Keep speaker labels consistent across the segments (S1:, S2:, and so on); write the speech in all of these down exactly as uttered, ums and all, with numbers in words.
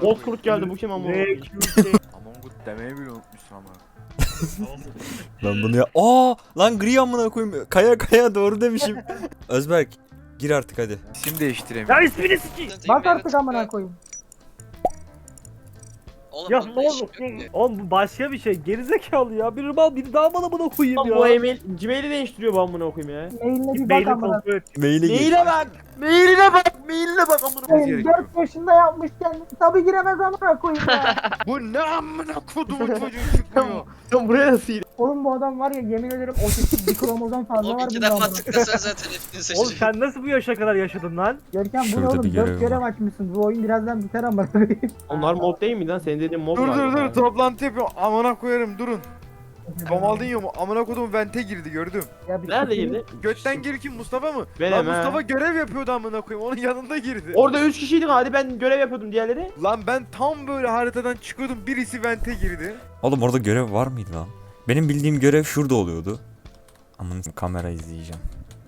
S1: Bozkurt geldi bu kim amına koyayım?
S2: Among Us demeyi bile unutmuşsun ama.
S3: Ben bunu ya... Aa lan gri amına koyayım. Kaya kaya doğru demişim. Özberk gir artık hadi.
S2: İsim değiştiremiyorum.
S1: Ya ismini sikeyim.
S4: Bak artık amına koyayım.
S5: Oğlum
S1: Ya
S5: bunda
S1: ne
S5: iş
S1: oldu?
S5: yok ki.
S1: Oğlum bu başka bir şey. Gerizekalı ya. Biri mal biri daha bana buna koyayım ya.
S6: Bu e-mail Gmail'i değiştiriyor bu amına koyayım ya.
S4: Mailine bir bak
S1: Maili
S4: amına
S1: kontrol et.
S3: Maile gir.
S6: Maile bak. Mailine bak. Mailine bak amına koyayım.
S4: koyayım. dört yaşında yapmışken tabi giremez amına koyayım ya.
S2: Bu ne amına kodumun çocuğu çıkmıyor.
S6: Sen buraya nasıl gidiyorsun?
S4: Oğlum bu adam var ya yemin ederim otistik bir kromozom fazla
S5: Oğlum
S4: var
S5: iki
S4: bunda
S5: defa
S4: amına.
S5: tıklasan zaten hepsini
S1: Oğlum
S5: seçecek.
S1: sen nasıl bu yaşa kadar yaşadın lan?
S4: Görkem bu ne
S3: Şurada bir
S4: oğlum
S3: görev
S4: dört görev
S3: var.
S4: açmışsın. Bu oyun birazdan biter amına koyayım.
S6: Onlar mob değil mi lan? Senin dediğin mob
S2: Dur
S6: galiba
S2: dur
S6: ya.
S2: dur toplantı yapıyorum. Amına koyarım durun. Ronaldinho mu? Amına kodum vente girdi gördüm.
S4: Ya bir
S6: Nerede
S4: sikeyim.
S6: girdi?
S2: Götten gir kim Mustafa mı?
S6: Benim
S2: Lan
S6: he.
S2: Mustafa görev yapıyordu amına koyayım. Onun yanında girdi.
S6: Orada üç kişiydik hadi ben görev yapıyordum diğerleri.
S2: Lan ben tam böyle haritadan çıkıyordum. Birisi vente girdi.
S3: Oğlum orada görev var mıydı lan? Benim bildiğim görev şurada oluyordu. Aman kamera izleyeceğim.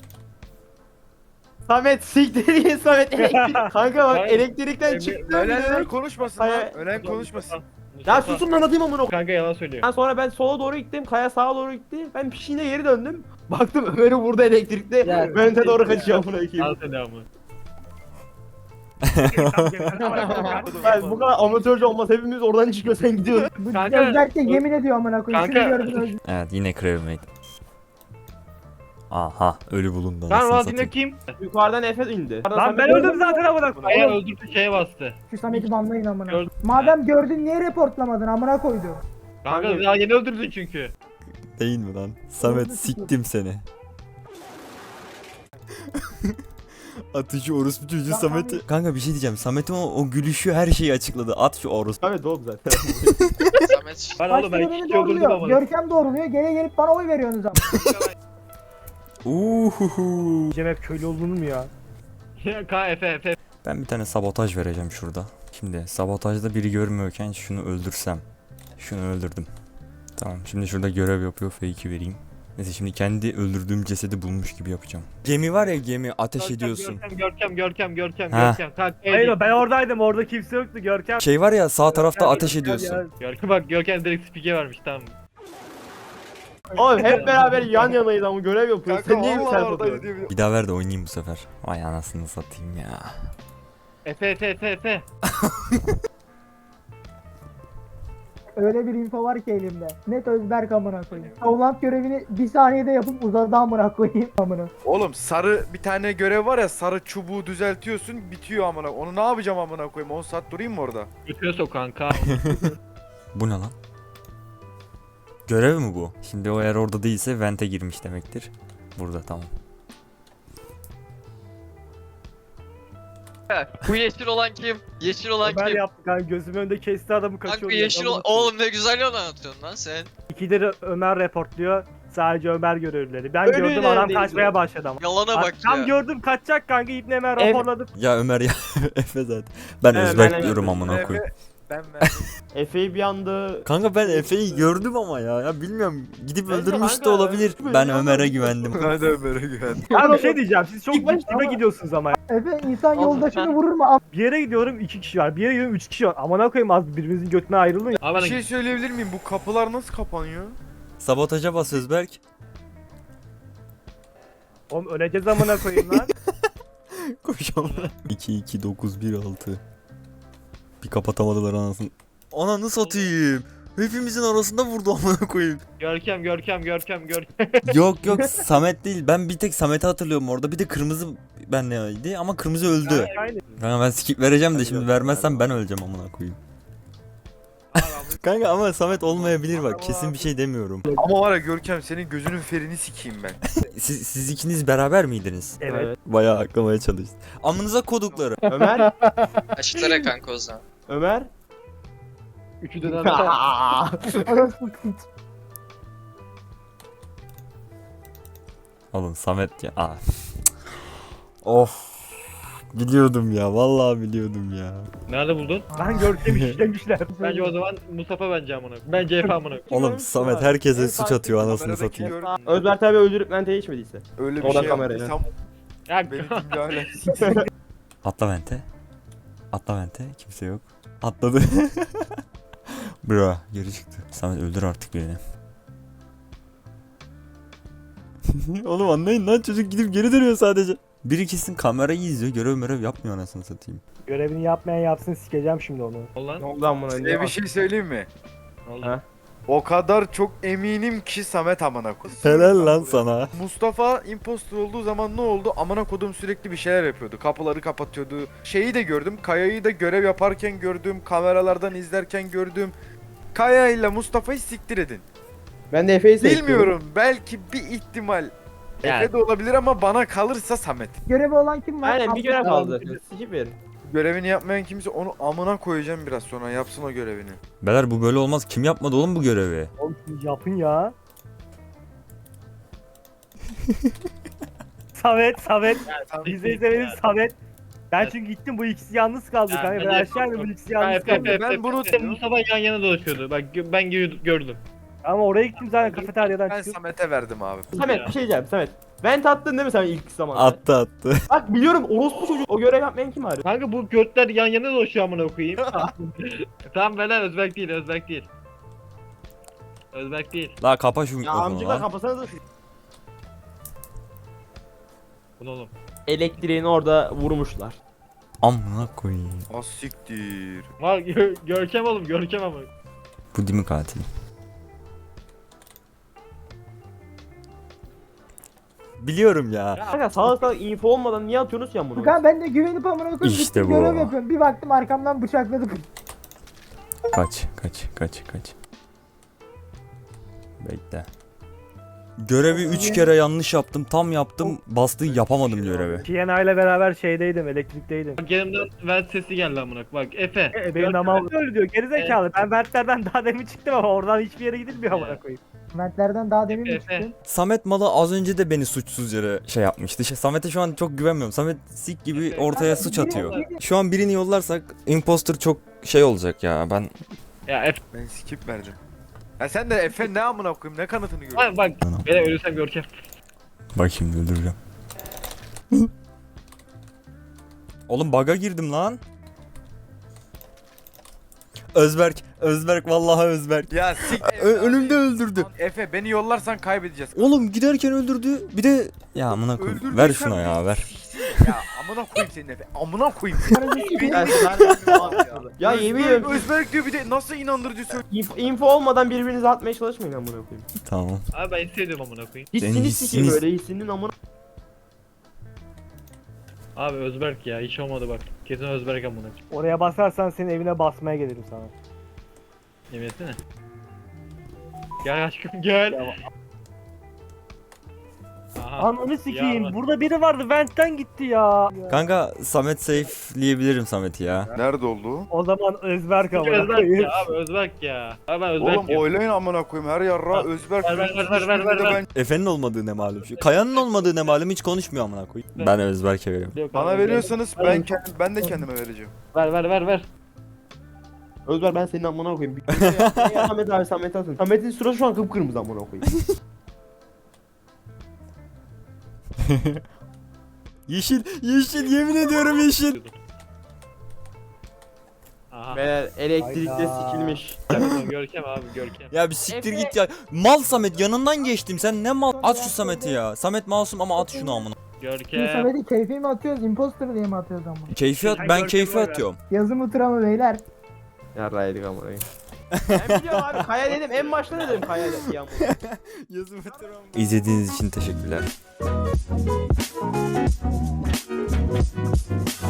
S6: Samet siktir git Samet elektrik. Kanka bak elektrikten çıktı.
S2: Ölenler konuşmasın lan.
S6: Hayır.
S2: Ölen konuşmasın.
S6: Ya susun lan atayım amına koyayım.
S1: Kanka yalan söylüyor.
S6: Ben sonra ben sola doğru gittim. Kaya sağa doğru gitti. Ben pişiğine geri döndüm. Baktım Ömer'i vurdu elektrikte.
S4: Ya,
S6: Ben de doğru kaçıyor amına koyayım.
S1: selamı.
S6: Ben bu kadar amatörce olmaz. Hepimiz oradan çıkıyor sen gidiyorsun.
S4: Bu
S1: Kanka-
S4: Özberk de yemin ediyor amına koyayım. Şunu
S1: Kanka-
S4: gördün Özberk.
S3: Evet yine crewmate. Aha ölü bulundu
S1: Lan
S3: anasını
S1: Ronaldinho
S3: satayım.
S1: kim?
S6: Yukarıdan Efe indi.
S1: Lan ben öldüm zaten amına koyayım.
S4: Kaya
S1: öldürdü şeye bastı.
S4: Şu Samet'i banlayın amına.
S1: Gördüm.
S4: Madem gördün niye reportlamadın amına koydu.
S1: Kanka daha yeni öldürdün çünkü.
S3: Değil mi lan? Samet siktim seni. Atıcı orospu çocuğu Samet'i. Kanka bir şey diyeceğim. Samet'in o, o gülüşü her şeyi açıkladı. At şu orospu.
S6: Evet oğlum zaten.
S5: Samet.
S1: Ben
S4: Kaç
S1: oğlum ben
S4: kere
S1: iki
S4: beni
S1: kişi öldürdüm
S4: doğruluyor.
S1: ama.
S4: Görkem doğruluyor. Geri gelip bana oy veriyorsunuz ama.
S3: Uhuhu.
S1: Cem hep köylü olduğunu mu ya? K F F.
S3: Ben bir tane sabotaj vereceğim şurada. Şimdi sabotajda biri görmüyorken şunu öldürsem. Şunu öldürdüm. Tamam şimdi şurada görev yapıyor fake'i vereyim. Neyse şimdi kendi öldürdüğüm cesedi bulmuş gibi yapacağım. Gemi var ya gemi ateş ediyorsun.
S1: Görkem Görkem Görkem Görkem
S3: Ha.
S1: Görkem. Kanka, hayır ben oradaydım orada kimse yoktu Görkem.
S3: Şey var ya sağ tarafta
S1: Görkem,
S3: ateş
S1: Görkem
S3: ediyorsun.
S1: ya. Görkem bak Görkem direkt spike vermiş tamam.
S6: Oğlum hep beraber yan yanayız ama görev yapıyoruz.
S2: Kanka
S6: Sen niye bir
S2: vallahi
S6: self
S2: oradaydı
S6: atıyorsun?
S2: diye bir-
S3: Bir daha ver de oynayayım bu sefer. Vay anasını satayım ya.
S1: Efe Efe Efe Efe.
S4: Öyle bir info var ki elimde. Net Özberk amına koyayım. Savlant görevini bir saniyede yapıp uzadı amına koyayım amına.
S2: Oğlum sarı bir tane görev var ya sarı çubuğu düzeltiyorsun bitiyor amına. Onu ne yapacağım amına koyayım? on saat durayım mı orada?
S1: Götüne sok kanka.
S3: Bu ne lan? Görev mi bu? Şimdi o eğer orada değilse vente girmiş demektir. Burada tamam.
S5: Bu yeşil olan kim? Yeşil olan
S1: Ben
S5: kim?
S1: yaptım kanka gözümün önünde kesti adamı kaçıyor.
S5: Kanka yeşil olan... Oğlum ne güzel yol anlatıyorsun lan sen.
S1: İkileri Ömer reportluyor. Sadece Ömer görevlileri. Ben
S6: Öyle
S1: gördüm adam
S6: neredeydi?
S1: kaçmaya başladı ama.
S5: Yalana bak
S1: Tam
S5: ya.
S1: gördüm kaçacak kanka İbni Ömer
S6: Ev-
S1: raporladım.
S3: Ya Ömer ya Efe zaten. Ben
S6: Evet,
S3: Özberk
S6: ben-
S3: diyorum amına koyayım.
S2: Ben ben.
S6: Efe'yi bir anda...
S3: Kanka ben Efe'yi gördüm ama ya. Ya bilmiyorum. Gidip
S6: Bence
S3: öldürmüş de
S6: kanka,
S3: olabilir.
S6: öldürmüş
S3: Ben
S6: ya.
S3: Ömer'e güvendim.
S2: Ben de Ömer'e güvendim.
S1: Ya bir şey diyeceğim siz çok
S6: İlk başta
S1: dibe
S6: ama-
S1: gidiyorsunuz ama.
S4: Efe insan
S5: Oğlum
S4: yoldaşını
S5: ben-
S4: vurur mu am?
S1: Bir yere gidiyorum iki kişi var. Bir yere gidiyorum üç kişi var. Aman koyayım az birbirinizin götüne ayrılın ya.
S2: Bir şey söyleyebilir miyim? Bu kapılar nasıl kapanıyor?
S3: Sabotaja bas Özberk.
S1: Oğlum öleceğiz amına koyayım lan.
S3: Koş amına. iki iki dokuz bir altı. Bir kapatamadılar anasını. Ananı satayım. Hepimizin arasında vurdu amına koyayım.
S1: Görkem Görkem Görkem Görkem.
S3: Yok yok Samet değil. Ben bir tek Samet'i hatırlıyorum orada. Bir de kırmızı benleydi ama kırmızı öldü.
S1: Aynen.
S3: Kanka ben skip vereceğim de şimdi vermezsem ben öleceğim amına koyayım. Kanka ama Samet olmayabilir bak. Kesin bir şey demiyorum.
S2: Ama var ya Görkem senin gözünün ferini sikeyim ben.
S3: Siz, siz ikiniz beraber miydiniz?
S1: Evet.
S3: Bayağı aklamaya çalıştım. Amınıza kodukları.
S6: Ömer?
S5: Aşıtlara kanka o zaman.
S6: Ömer?
S1: Üçü de
S4: Orospu kıç.
S3: Oğlum Samet ya. Aa. Of. Biliyordum ya. Vallahi biliyordum ya.
S1: Nerede buldun? Lan Görkem'i işlemişler. Bence o zaman Mustafa bence amına. Ben C F amına.
S3: Oğlum Samet herkese suç atıyor anasını
S2: Kameradaki
S3: satayım.
S2: gör-
S6: Özber tabi öldürüp mente içmediyse.
S2: Öyle bir
S6: Oradan
S2: şey
S6: kameraya.
S2: yaptıysam
S1: Ya
S2: benim gibi hala.
S3: Atla vente. Atla vente. Kimse yok. Atladı. Bro geri çıktı. Samet öldür artık birini. Oğlum anlayın lan, çocuk gidip geri dönüyor sadece. Biri kesin kamerayı izliyor, görev merev yapmıyor anasını satayım.
S7: Görevini yapmayan yapsın, sikeceğim şimdi onu.
S1: Olan.
S6: Ne oldu amına?
S2: Size bir şey söyleyeyim mi?
S1: Ne oldu?
S6: Ha?
S2: O kadar çok eminim ki Samet amına koyayım.
S3: Helal lan sana.
S2: Mustafa impostor olduğu zaman ne oldu? Amına kodum sürekli bir şeyler yapıyordu. Kapıları kapatıyordu. Şeyi de gördüm. Kaya'yı da görev yaparken gördüm. Kameralardan izlerken gördüm. Kaya ile Mustafa'yı siktir edin.
S6: Ben de Efe'yi seçtim.
S2: Bilmiyorum. Belki bir ihtimal.
S1: Yani.
S2: Efe de olabilir ama bana kalırsa Samet.
S4: Görevi olan kim var?
S6: Aynen bir görev
S4: Abdullah.
S6: kaldı zaten. Sikip verin.
S2: Görevini yapmayan kimse onu amına koyacağım biraz sonra. Yapsın o görevini.
S3: Beyler bu böyle olmaz. Kim yapmadı oğlum bu görevi?
S7: Oğlum siz yapın ya. Samet, Samet. Bizi izlemeniz Samet. Ben
S1: Evet.
S7: çünkü gittim, bu ikisi yalnız kaldı
S1: Ya,
S7: kanka. Ben
S1: bence
S7: aşağı indim, bu ikisi
S1: Ha,
S7: yalnız
S1: Efe,
S7: kaldı.
S1: Efe,
S2: Ben
S1: Efe,
S2: bunu
S1: Efe,
S2: diyorum.
S1: Mustafa yan yana dolaşıyordu. Bak gö- ben gö- gördüm.
S7: Ama oraya gittim zaten, kafeteryadan
S2: Ben
S7: çıkıp.
S2: Samet'e verdim abi.
S6: Samet bir şey diyeceğim Samet. Vent attın değil mi sen ilk zamanda?
S3: Attı attı.
S6: Bak biliyorum orospu çocuk o görev yapmayan kim abi?
S1: Kanka bu götler yan yana dolaşıyor amına koyayım. Tamam beyler, Özberk değil, Özberk değil. Özberk değil.
S3: La kapa şu
S6: Ya
S3: mikrofonu
S6: amcıklar
S3: lan.
S6: kapasanız da
S1: Bu ne oğlum?
S6: elektriğini orada vurmuşlar.
S3: Amına koyayım.
S2: Asiktir.
S1: Var gö- Görkem oğlum, Görkem ama.
S3: Bu değil mi katil? Biliyorum ya.
S6: Kanka sağlık sağlık info olmadan niye atıyorsunuz ya bunu?
S4: Furkan ben de güvenip amına koyayım.
S3: İşte
S4: gittim
S3: bu.
S4: görev yapıyorum. Bir baktım arkamdan bıçakladı.
S3: Kaç kaç kaç kaç. Bekle. Görevi üç kere yanlış yaptım. Tam yaptım. Bastığı yapamadım görevi.
S7: T N A ile beraber şeydeydim, elektrikteydim.
S1: Bak yanımdan vent sesi geldi amına. Bak Efe.
S7: E, benim
S1: Görkem-
S7: namam öyle diyor, gerizekalı. Ben Mertlerden daha demin çıktım ama oradan hiçbir yere gidilmiyor amına koyayım.
S4: Mertlerden daha demin mi
S1: Efe.
S4: çıktın?
S3: Samet Malı az önce de beni suçsuz yere şey yapmıştı. Şey, Samet'e şu an çok güvenmiyorum. Samet sik gibi ortaya suç atıyor. Şu an birini yollarsak imposter çok şey olacak ya. Ben
S1: Ya Efe.
S2: Ben skip verdim. Ya sen de Efe ne amına koyayım, ne kanıtını görüyorsun?
S1: Bak bak. Beyler ölürsem Görkem.
S3: bak şimdi öldüreceğim. Oğlum bug'a girdim lan. Özberk, Özberk vallahi Özberk.
S2: Ya sik.
S3: Ö- önümde öldürdü.
S2: Efe beni yollarsan kaybedeceğiz.
S3: Oğlum giderken öldürdü. Bir de ya amına koyayım.
S2: Öldürdüysen
S3: Ver şuna ya ver.
S2: Ya amına koyayım senin Efe. Amına koyayım.
S6: Ya, ya yemin
S2: Özberk,
S6: ediyorum
S2: Özberk diyor, bir de nasıl inandırıcı söylüyor.
S6: info, info olmadan birbirinize atmaya çalışmayın amına koyayım.
S3: Tamam.
S1: Abi ben hissediyorum amına koyayım.
S3: Senin
S6: Hissini sikeyim
S3: hissiniz-
S6: böyle hissinin amına.
S1: Abi Özberk ya, hiç olmadı bak. Kesin Özberk amına.
S7: Oraya basarsan senin evine basmaya gelirim sana.
S1: Yemin etsene. Gel aşkım gel. Aha.
S7: Ananı sikeyim.
S1: Ya.
S7: Burada biri vardı, Vent'ten gitti ya.
S3: Kanka Samet safe'leyebilirim Samet'i ya.
S2: Nerede oldu?
S7: O zaman Özberk amına
S1: Özberk
S7: koyayım.
S1: ya abi, Özberk ya. Abi ben Özberk
S2: Oğlum
S1: diyorum.
S2: oylayın amına koyayım, her yarra Özberk.
S1: Ver, ver, ver, ver, ver, ver, ver.
S2: Ben-
S3: Efe'nin olmadığı ne malum. Şu Kaya'nın olmadığı ne malum, hiç konuşmuyor amına koyayım. Ben Özberk'e veriyorum.
S1: Yok,
S2: Bana
S1: abi,
S2: veriyorsanız ben kendim, ben de kendime vereceğim.
S1: Ver ver ver ver.
S6: Özber ben senin amına koyayım. Ya Samet abi Samet atın. Samet'in sırası şu an kıpkırmızı amına koyayım.
S3: Yeşil, yeşil yemin ediyorum yeşil.
S1: Aha.
S6: Beyler elektrikte
S7: Hayda.
S6: sikilmiş.
S1: Görkem, Görkem abi Görkem.
S3: Ya bir siktir
S6: Efe-
S3: git ya. Mal Samet, yanından geçtim. Sen ne mal? At şu Samet'i ya. Samet masum ama at şunu amına.
S4: Şimdi
S1: Görkem.
S4: Samet'i keyfi mi atıyoruz, imposter diye mi atıyoruz ama?
S3: Keyfi at, ben keyfi atıyorum.
S4: Yazı mı tura mı beyler?
S6: Ya raydık amına koyayım. Ben biliyorum abi Kaya dedim en başta dedim Kaya dedim ya.
S3: İzlediğiniz için teşekkürler.